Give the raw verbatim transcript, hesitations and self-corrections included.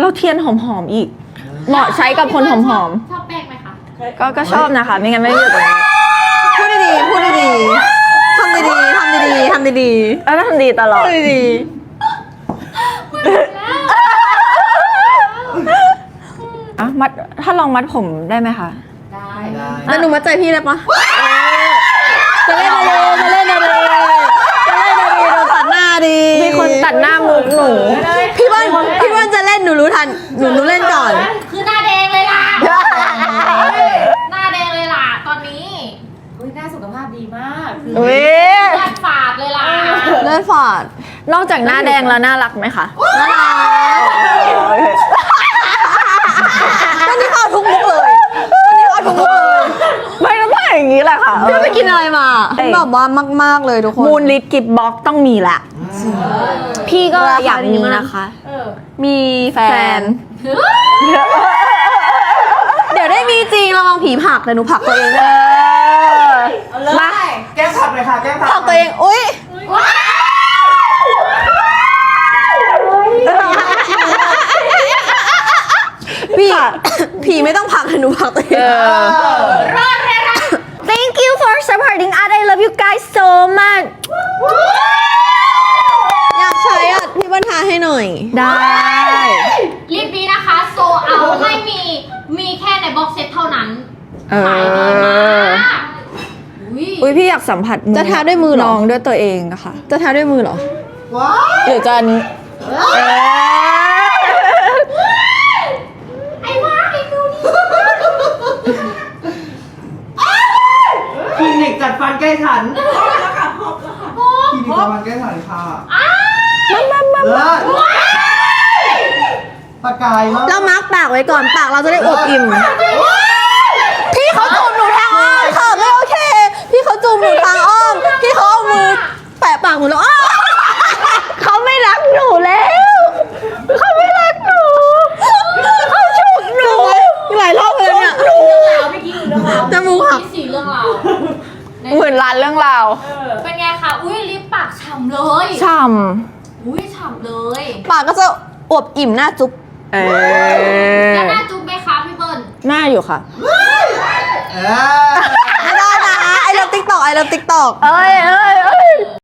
แล้วเทียนหอมๆอีก เหมาะใช้กับคนหอมชอบแป้งไหมคะๆก็ก็ชอบนะคะไม่งั้นไม่อยู่ตรงนี้พูดดีๆพูดดีๆทำดีๆทำดีๆทำดีแล้วทำดีตลอๆดพูดดีอ่ะมัดถ้าลองมัดผมได้ไหมคะได้ๆแล้วหนูมาใจพี่ได้ปะจะเล่นอะไรจะเล่นอะไรจะเล่นอะไรโดนตัดหน้าดีมีคนตัดหน้ามุกหนูพี่ว่านพี่ว่านจะเล่นหนูรู้ทันหนูหนูเล่นก่อนคือหน้าแดงเลยล่ะ หน้าแดงเลยล่ะตอนนี้อุ้ยหน้าสุขภาพดีมากคืออุ๊ยเลือดฝาดเลยล่ะเล่นฟอร์ดนอกจากหน้าแดงแล้วน่ารักไหมคะน่ารักวันนี้เขาทุกมุกเลยวันนี้เขาทุกมุกเลยไม่ต้องถ่ายอย่างนี้แหละค่ะพี่ไปกินอะไรมาแบบว่ามากๆเลยทุกคนมูลลิทกิฟบ็อกต้องมีแหละ พี่ก็อยากมีนะคะเออมีแฟแฟนนเดี๋ยวได้มีจริงระวังผีผลักแต่หนูผลักตัวเองเอด้วยอ มาแก้มผักเลยค่ะแก้มผักผลักตัวเองอุ้ยพี่ผีไม่ต้องผลักแต่หนูผลักตัวเองเออรอดเลยล่ะ Thank you for supporting us I love you guys so much อยากใช้อ่ะพี่บรรทาให้หน่อยได้รีบนี้นะคะ โซเอาไม่มีมีแค่ในบ็อกเซตเท่านั้นเอขายดีอมากอุ้ยอุ้ยพี่อยากสัมผัสจะทาด้วยมือเหรอน้องด้วยตัวเองอะค่ะจะทาด้วยมือเหรอว้าหรือจะอันนี้เออไอ้ว้าไอ้ดูนี่คลินิกจัดฟันใกล้ฉันคลินิกจัดฟันใกล้ฉันค่ะเลิศปากกายมากเรามาร์กปากไว้ก่อนปากเราจะได้อวบอิ่ม พี่เขาจูบหนูทางอ้อมค่ะไม่โอเค พี่เขาจูบหนูทางอ้อม พี่เขาเอามือแปะปากหนูแล้วอ้อเขาไม่รักหนูแล้ว เขาไม่รักหนูเขาฉุกหนูหลายรอบเลยเนี่ยเรื่องราวเมื่อกี้คือเรื่องราวจมูกหักมีสี่เรื่องราวหมื่นล้านเรื่องราวเป็นไงคะ อุ้ยลิปปากฉ่ำเลยช่อุ้ยฉ่ำเลยปากก็จะอวบอิ่มหน้าจุ๊บำเอแล้วอหน้าจุ๊บไหมคะพี่เบิ้ลหน้าอยู่ค่ะเออไม่ได้นะไอเลิฟติ๊กตอกไอเลิฟติ๊กตอกเอ้ยเอ้ยเอ้ย